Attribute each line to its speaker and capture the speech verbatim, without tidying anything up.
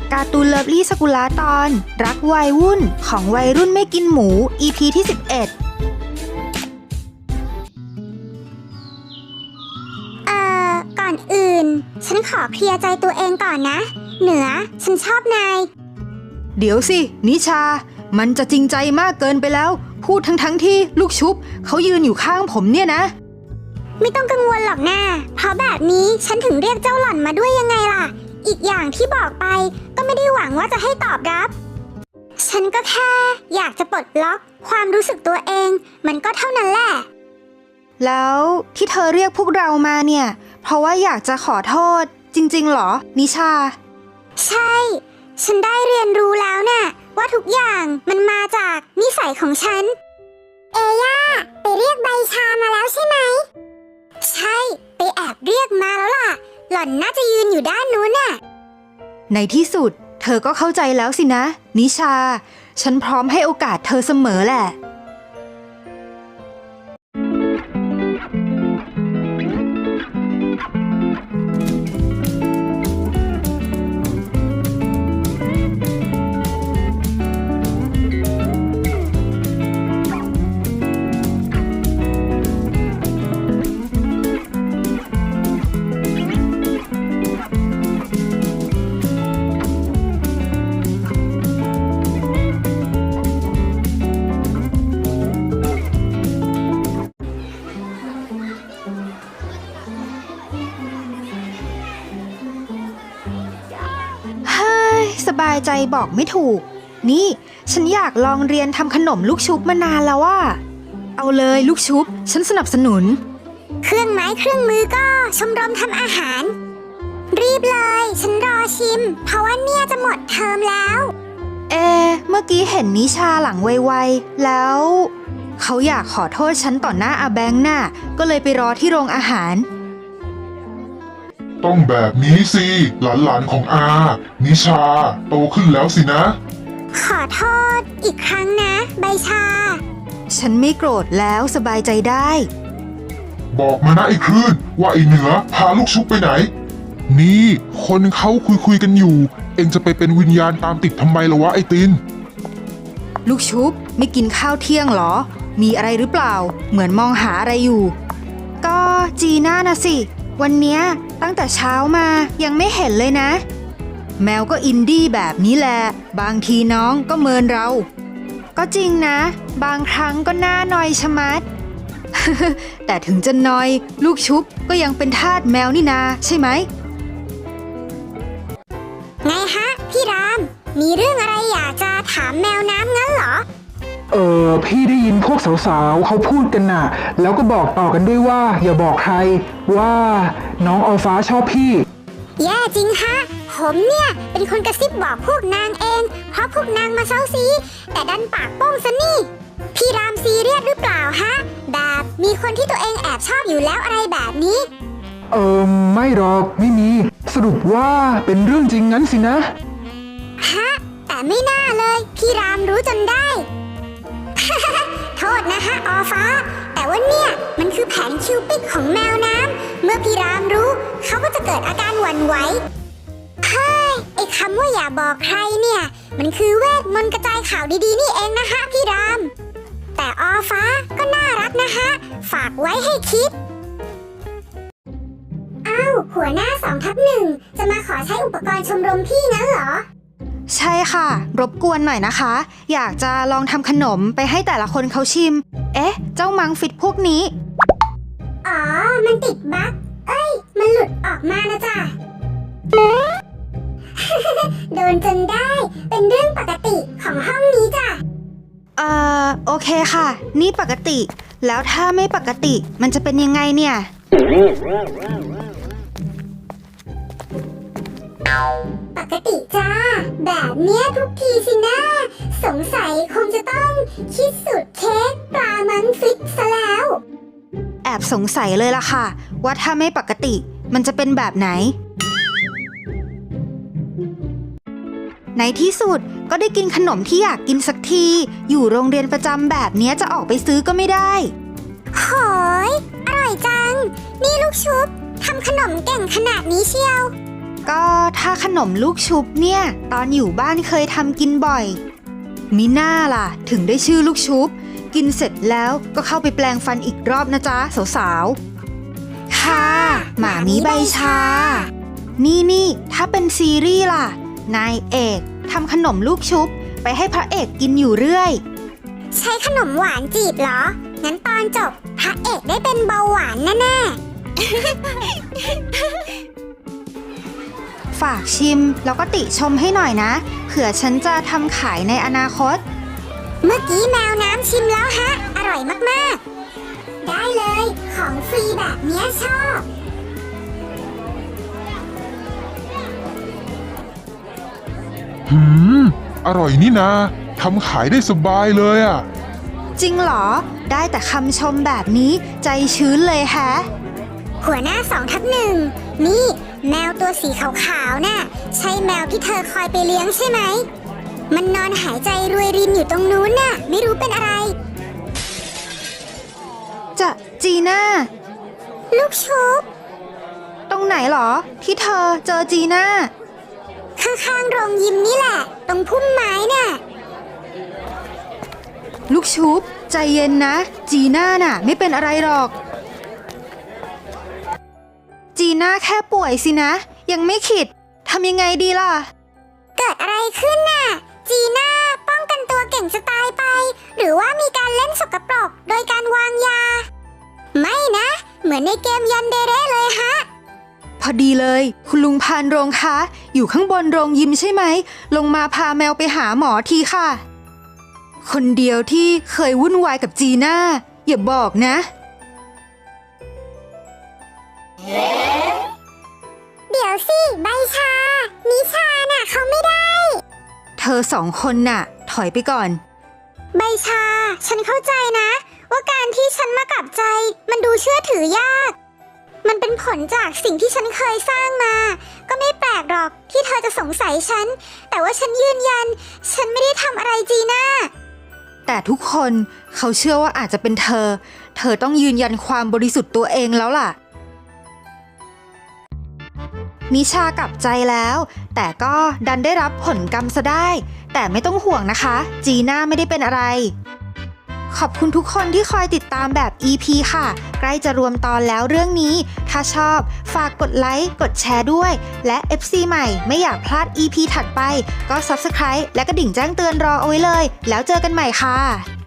Speaker 1: การ์ตูนเลิฟลี่สกุลาตอนรักวัยวุ่นของวัยรุ่นไม่กินหมู อี พี ที่สิบเอ็ด
Speaker 2: เอ่อก่อนอื่นฉันขอเคลียร์ใจตัวเองก่อนนะเหนือฉันชอบนาย
Speaker 1: เดี๋ยวสินิชามันจะจริงใจมากเกินไปแล้วพูดทั้งทั้งที่ลูกชุบเขายืนอยู่ข้างผมเนี่ยนะ
Speaker 2: ไม่ต้องกังวลหรอกนะเพราะแบบนี้ฉันถึงเรียกเจ้าหล่อนมาด้วยยังไงล่ะอีกอย่างที่บอกไปก็ไม่ได้หวังว่าจะให้ตอบรับฉันก็แค่อยากจะปลดล็อกความรู้สึกตัวเองมันก็เท่านั้นแหละ
Speaker 1: แล้วที่เธอเรียกพวกเรามาเนี่ยเพราะว่าอยากจะขอโทษจริงๆหรอนิชา
Speaker 2: ใช่ฉันได้เรียนรู้แล้วน่ะว่าทุกอย่างมันมาจากนิสัยของฉันเอย่าไปเรียกใบชามาแล้วใช่ไหมใช่ไปแอบเรียกมาแล้วล่ะหล่อนน่าจะยืนอยู่ด้านนู้นน่ะ
Speaker 1: ในที่สุดเธอก็เข้าใจแล้วสินะนิชาฉันพร้อมให้โอกาสเธอเสมอแหละสบายใจบอกไม่ถูกนี่ฉันอยากลองเรียนทำขนมลูกชุบมานานแล้วว่าเอาเลยลูกชุบฉันสนับสนุน
Speaker 2: เครื่องไม้เครื่องมือก็ชมรมทำอาหารรีบเลยฉันรอชิมเพราะว่าเนี่ยจะหมดเทอมแล้ว
Speaker 1: เอเมื่อกี้เห็นนิชาหลังไวๆแล้วเขาอยากขอโทษฉันต่อหน้าอาแบงค์น่ะก็เลยไปรอที่โรงอาหาร
Speaker 3: ต้องแบบนี้สิหลานๆของอานิชาโตขึ้นแล้วสินะ
Speaker 2: ขอโทษอีกครั้งนะใบชา
Speaker 1: ฉันไม่โกรธแล้วสบายใจได้
Speaker 3: บอกมานะไอ้คลื่นว่าไอ้เหนือพาลูกชุบไปไหนนี่คนเขาคุยคุยกันอยู่เอ็งจะไปเป็นวิญญาณตามติดทำไมล่ะวะไอ้ติน
Speaker 1: ลูกชุบไม่กินข้าวเที่ยงหรอมีอะไรหรือเปล่าเหมือนมองหาอะไรอยู่ก็จีน่านะสิวันเนี้ยตั้งแต่เช้ามายังไม่เห็นเลยนะแมวก็อินดี้แบบนี้แหละบางทีน้องก็เมินเราก็จริงนะบางครั้งก็น่าหน่อยชะมัด แต่ถึงจะนอยลูกชุบก็ยังเป็นทาสแมวนี่นาใช่ไหม
Speaker 2: ไงฮะพี่รามมีเรื่องอะไรอยากจะถามแมวน้ำงั้นเหรอ
Speaker 4: เออพี่ได้ยินพวกสาวๆเขาพูดกันน่ะแล้วก็บอกต่อกันด้วยว่าอย่าบอกใครว่าน้องออฟ้าชอบพี่
Speaker 2: แย่จริงฮะผมเนี่ยเป็นคนกระซิบบอกพวกนางเองเพราะพวกนางมาเซ้าซีแต่ดันปากโป้งซะนี่พี่รามซีเรียสหรือเปล่าฮะแบบมีคนที่ตัวเองแอบชอบอยู่แล้วอะไรแบบนี้
Speaker 4: เออไม่หรอกไม่มีสรุปว่าเป็นเรื่องจริงงั้นสินะ
Speaker 2: ฮะแต่ไม่น่าเลยพี่รามรู้จนได้ โทษนะฮะออฟ้าแต่ว่าเนี่ยมันคือแผนคิวปิดของแมวน้ำเมื่อพี่รามรู้เขาก็จะเกิดอาการหวั่นไหวเฮ้ยไอ้คำว่าอย่าบอกใครเนี่ยมันคือเวทมนต์กระจายข่าวดีๆนี่เองนะฮะพี่รามแต่ออฟ้าก็น่ารักนะฮะฝากไว้ให้คิดอ้าวหัวหน้าสองทับหนึ่งจะมาขอใช้อุปกรณ์ชมรมพี่งั้นเหรอ
Speaker 1: ใช่ค่ะรบกวนหน่อยนะคะอยากจะลองทำขนมไปให้แต่ละคนเขาชิมเอ๊ะเจ้ามังฟิตพวกนี้
Speaker 2: อ๋อมันติดบั๊กเอ้ยมันหลุดออกมานะจ๊ะ โดนจนได้เป็นเรื่องปกติของห้องนี้จ้ะ
Speaker 1: เอ่อโอเคค่ะนี่ปกติแล้วถ้าไม่ปกติมันจะเป็นยังไงเนี่ย
Speaker 2: ปกติจ้าแบบเนี้ยทุกทีสินะสงสัยคงจะต้องคิดสูตรเค้กปลามังฟิตซะแล้ว
Speaker 1: แอบสงสัยเลยล่ะค่ะว่าถ้าไม่ปกติมันจะเป็นแบบไหนในที่สุดก็ได้กินขนมที่อยากกินสักทีอยู่โรงเรียนประจำแบบนี้จะออกไปซื้อก็ไม่ได้
Speaker 2: โหยอร่อยจังนี่ลูกชุบทำขนมเก่งขนาดนี้เชียว
Speaker 1: ก็ถ้าขนมลูกชุบเนี่ย ตอนอยู่บ้านเคยทำกินบ่อยมิน่าล่ะถึงได้ชื่อลูกชุบกินเสร็จแล้วก็เข้าไปแปลงฟันอีกรอบนะจ๊ะสาวๆค่ะหมามีใบชา นี่นี่ถ้าเป็นซีรีส์ล่ะนายเอกทำขนมลูกชุบไปให้พระเอกกินอยู่เรื่อย
Speaker 2: ใช้ขนมหวานจีบเหรอ งั้นตอนจบพระเอกได้เป็นเบาหวานแน่ๆ
Speaker 1: ฝากชิมแล้วก็ติชมให้หน่อยนะเผื่อฉันจะทำขายในอนาคต
Speaker 2: เมื่อกี้แมวน้ำชิมแล้วฮะ อร่อยมากๆ ได้เลย ของฟรีแบบเนี้ยชอบ
Speaker 3: หืม อร่อยนี่นะทำขายได้สบายเลยอ่ะ
Speaker 1: จริงเหรอได้แต่คำชมแบบนี้ใจชื้นเลยแฮะ
Speaker 2: หัวหน้าสองทับหนึ่งนี่แมวตัวสีขาวๆน่ะใช่แมวที่เธอคอยไปเลี้ยงใช่ไหม มันนอนหายใจรวยรินอยู่ตรงนู้นน่ะ ไม่รู้เป็นอะไร
Speaker 1: จะจีน่า
Speaker 2: ลูกชุบ
Speaker 1: ตรงไหนเหรอ ที่เธอเจอจีน่า
Speaker 2: ข้างๆโรงยิมนี่แหละ ตรงพุ่มไม้น่ะ
Speaker 1: ลูกชุบใจเย็นนะ จีน่าน่ะ ไม่เป็นอะไรหรอก จีน่าแค่ป่วยสินะ ยังไม่ขิดทำยังไงดีล่ะ
Speaker 2: เกิดอะไรขึ้นน่ะ จีน่าป้องกันตัวเก่งจะตายไป หรือว่ามีการเล่นสกปรกโดยการวางยา ไม่นะ เหมือนในเกมยันเดเร่เลยฮะ
Speaker 1: พอดีเลย คุณลุงพานโรงคะอยู่ข้างบนโรงยิมใช่ไหม ลงมาพาแมวไปหาหมอทีค่ะ คนเดียวที่เคยวุ่นวายกับจีน่าอย่าบอกนะ
Speaker 2: เดี๋ยวสิใบชา นิชาน่ะเขาไม่ได้
Speaker 1: เธอสองคนน่ะ ถอยไปก่อน
Speaker 2: ใบชา ฉันเข้าใจนะ ว่าการที่ฉันมากลับใจ มันดูเชื่อถือยาก มันเป็นผลจากสิ่งที่ฉันเคยสร้างมา ก็ไม่แปลกหรอกที่เธอจะสงสัยฉัน แต่ว่าฉันยืนยัน ฉันไม่ได้ทำอะไรจีน่า
Speaker 1: แต่ทุกคนเขาเชื่อว่าอาจจะเป็นเธอ เธอต้องยืนยันความบริสุทธิ์ตัวเองแล้วล่ะ นิชากลับใจแล้ว แต่ก็ดันได้รับผลกรรมซะได้ แต่ไม่ต้องห่วงนะคะ จีน่าไม่ได้เป็นอะไร ขอบคุณทุกคนที่คอยติดตามแบบ อี พี ค่ะ ใกล้จะรวมตอนแล้วเรื่องนี้ ถ้าชอบฝากกดไลค์ กดแชร์ด้วย และ เอฟ ซี ใหม่ไม่อยากพลาด อี พี ถัดไป ก็ ซับสไครบ์ และกระดิ่งแจ้งเตือนรอเอาไว้เลย แล้วเจอกันใหม่ค่ะ